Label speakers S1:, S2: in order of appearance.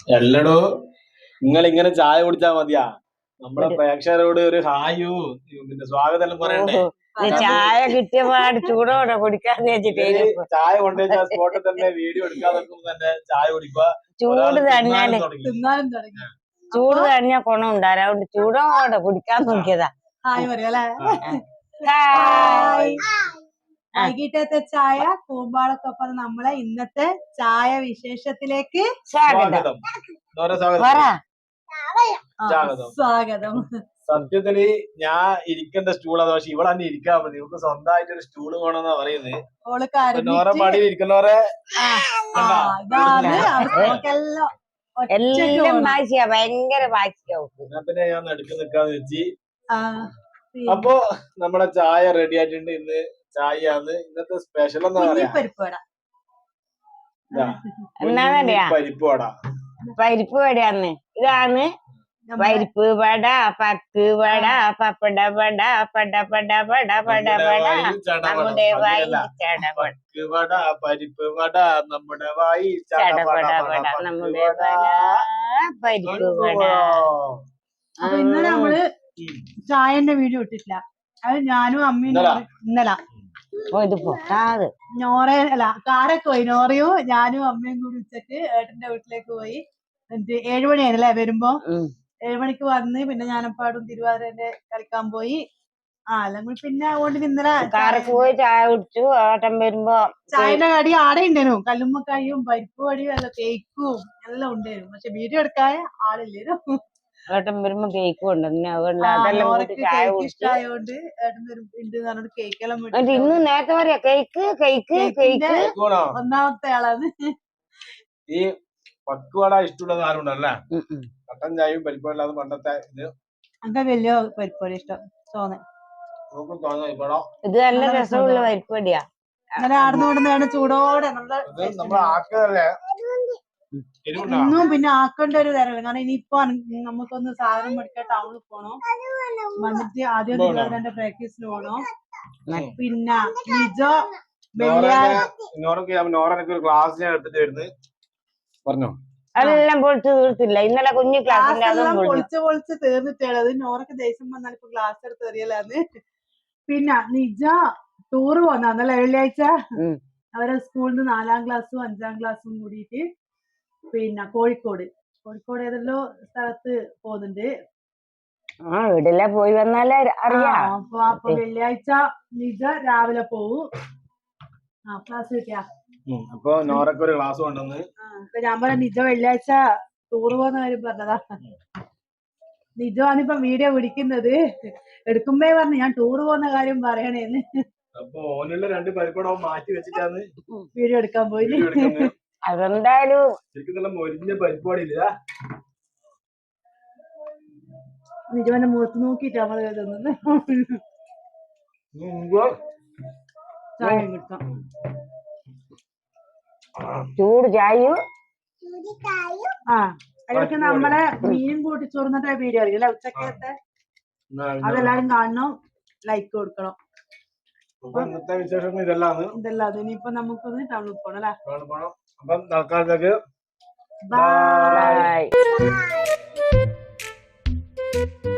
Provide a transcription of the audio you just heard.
S1: എല്ലടോ നിങ്ങൾ ഇങ്ങനെ ചായ കുടിച്ചാ മതിയാ? നമ്മളെ പ്രേക്ഷകരോട് ഒരു ഹായു പിന്നെ സ്വാഗതം എല്ലാം പറയണ്ടേ?
S2: ചായ കിട്ടിയപാട് ചൂടോടെ കുടിക്കാന്ന് വെച്ചിട്ട്
S1: ചായ കൊണ്ടുവച്ച സ്പോട്ടിൽ തന്നെ വീഡിയോ എടുക്കാതെ തന്നെ ചായ കുടിക്കുക.
S2: ചൂട് തന്നെയാണ് ചൂട് കഴിഞ്ഞ ഗുണം ഉണ്ടായിരുന്നു. അതുകൊണ്ട് ചൂടോടെ കുടിക്കാൻ നോക്കിയതാ.
S3: ഹായ് പറയാ വൈകിട്ടത്തെ ചായ കൂമ്പാളക്കൊപ്പം നമ്മളെ ഇന്നത്തെ ചായ വിശേഷത്തിലേക്ക്
S1: സ്വാഗതം.
S3: സ്വാഗതം.
S1: സത്യത്തില് ഞാൻ ഇരിക്കേണ്ട സ്റ്റൂൾ അതാ, പക്ഷെ ഇവിടെ തന്നെ ഇരിക്കാൻ മതി. നമുക്ക് സ്വന്തമായിട്ട് ഒരു സ്റ്റൂള് വേണമെന്നാ പറയുന്നത്. നോറ പാടിയിൽ ഇരിക്കുന്നവരെ
S2: എല്ലാം വാശിയാ, ഭയങ്കര വാശിയാവും.
S1: പിന്നെ ഞാൻ നടുക്ക് നിൽക്കാന്ന് വെച്ച്. അപ്പൊ നമ്മുടെ ചായ റെഡി ആയിട്ടുണ്ട്. ഇന്ന് ചായയാണ് ഇന്നത്തെ സ്പെഷ്യൽ. എന്താ പറയാ?
S2: പരിപ്പ് വട. പരിപ്പ് വടയാന്ന്. ഇതാണ് പരിപ്പ് വട, പക്ക് വട, പപ്പട വട, പട പട പട പട പട, നമ്മുടെ വായി
S1: ചടപട. പരിപ്പ് വട നമ്മുടെ വായി
S2: ചടപട പട, നമ്മുടെ പരിപ്പ് വട.
S3: അപ്പൊ ഇന്നലെ നമ്മള് ചായന്റെ വീഡിയോ ഇട്ടിട്ടില്ല. അത് ഞാനും അമ്മയും ഇന്നലെ നോറയല്ല കാരൊക്കെ പോയി. നോറയും ഞാനും അമ്മയും കൂടി ഉച്ചക്ക് ഏട്ടന്റെ വീട്ടിലേക്ക് പോയി. എന്നിട്ട് 7 മണിയായിരുന്നല്ലേ വരുമ്പോ. 7 മണിക്ക് വന്ന് പിന്നെ ഞാനപ്പാടും തിരുവാതിരന്റെ കളിക്കാൻ പോയി. അല്ലെങ്കിൽ പിന്നെ അതുകൊണ്ട് ഇന്നലെ
S2: പോയി ചായ കുടിച്ചു. ഏട്ടൻ വരുമ്പോ
S3: ചായന്റെ കടി ആടെ ഉണ്ടായിരുന്നു. കല്ലുമ്മക്കായും പരിപ്പ് വടിയും എല്ലാം കേക്കും എല്ലാം ഉണ്ടായിരുന്നു. പക്ഷെ വീഡിയോ എടുക്കാൻ ആളില്ലായിരുന്നു.
S2: ഏട്ടൻ വരുമ്പോ കേക്ക് കൊണ്ടുവന്നു. ഇന്ന് നേരത്തെ പറയാ കേക്ക് കേക്ക് കേക്ക്.
S3: ഒന്നാമത്തെ ആളാണ്.
S1: ഈ പക്കുവട ഇഷ്ടമുള്ളത് ആരുണ്ടല്ലേ? കട്ടൻ ചായയും പരിപ്പല്ലാതെ പണ്ടത്തെ ഇത്
S3: അങ്ങനെ വലിയ പരിപ്പടി ഇഷ്ടം തോന്നേ.
S2: ഇത് നല്ല രസമുള്ള പരിപ്പടിയാ.
S3: അങ്ങനെ ആടുന്നോടുന്നതാണ് ചൂടോടെ ഇന്നും പിന്നെ ആക്കേണ്ട ഒരു തരമില്ല. കാരണം ഇനിയിപ്പോ നമുക്കൊന്ന് സാധനം മേടിക്കാൻ ടൗണിൽ പോണോ, വന്നിട്ട് ആദ്യം തിരുവാതിരന്റെ പ്രാക്ടീസിന് പോണോ. പിന്നെ നിജോ
S1: ക്ലാസ് ഞാൻ എടുത്തിട്ട് വരുന്നത് പറഞ്ഞോ.
S2: അതെല്ലാം പൊളിച്ച് തീർത്തില്ല. ഇന്നലെ കുഞ്ഞു ക്ലാസ്
S3: പൊളിച്ച് തീർന്നിട്ടുള്ളത്. നോറക്ക് ദേഷ്യം വന്നാൽ ഇപ്പൊ ക്ലാസ് എടുത്ത് എറിയലാന്ന്. പിന്നെ നിജ ടൂറ് പോന്നല്ലേ വെള്ളിയാഴ്ച. അവരെ സ്കൂളിൽ നിന്ന് 4ാം ക്ലാസ്സും 5ാം ക്ലാസ്സും കൂടിയിട്ട് പിന്നെ കോഴിക്കോട് ഏതെല്ലോ സ്ഥലത്ത് പോകുന്നുണ്ട്.
S2: വീട്ടിലെ പോയി വന്നാലേ അറിയാം.
S3: അപ്പൊ വെള്ളിയാഴ്ച നിജ രാവിലെ പോവും. ക്ലാസ് കിട്ടിയാ
S1: അപ്പൊ നോറക്ക് ഒരു ക്ലാസ് കൊണ്ടുവന്ന്
S3: ഞാൻ പറയാം നിജ വെള്ളിയാഴ്ച ടൂറ് പോകുന്ന കാര്യം പറഞ്ഞതാ. നിജമാണിപ്പം വീഡിയോ പിടിക്കുന്നത്. എടുക്കുമ്പേ പറഞ്ഞു ഞാൻ ടൂറ് പോകുന്ന കാര്യം പറയണേന്ന്.
S1: അപ്പൊ ഓനുള്ള 2 പരിപ്പടവും മാറ്റി വെച്ചിട്ടാണ്
S3: വീഡിയോ എടുക്കാൻ പോയി.
S2: അതെന്തായാലും
S1: ശരിക്കും മൊരിഞ്ഞ പരിപാടിയില്ല.
S3: നിജവന്റെ മുഖത്ത് നോക്കിട്ട് നമ്മള് തിന്നുന്നു. ചായ കിട്ടാം.
S2: ചൂട് ചായയും
S3: അതിലൊക്കെ നമ്മളെ മീൻ കൂട്ടി ചോറുന്നത്തെ വീഡിയോ അറിയില്ല ഉച്ചക്കത്തെ. അതെല്ലാരും കാണണം, ലൈക്ക് കൊടുക്കണം.
S1: ഇന്നത്തെ വിശേഷം ഇതെല്ലാം.
S3: ഇനിയിപ്പൊ നമുക്കൊന്ന് ടൗണിൽ പോണം അല്ലേ.
S1: അപ്പം തൽക്കാലത്തേക്ക്
S3: ബൈ.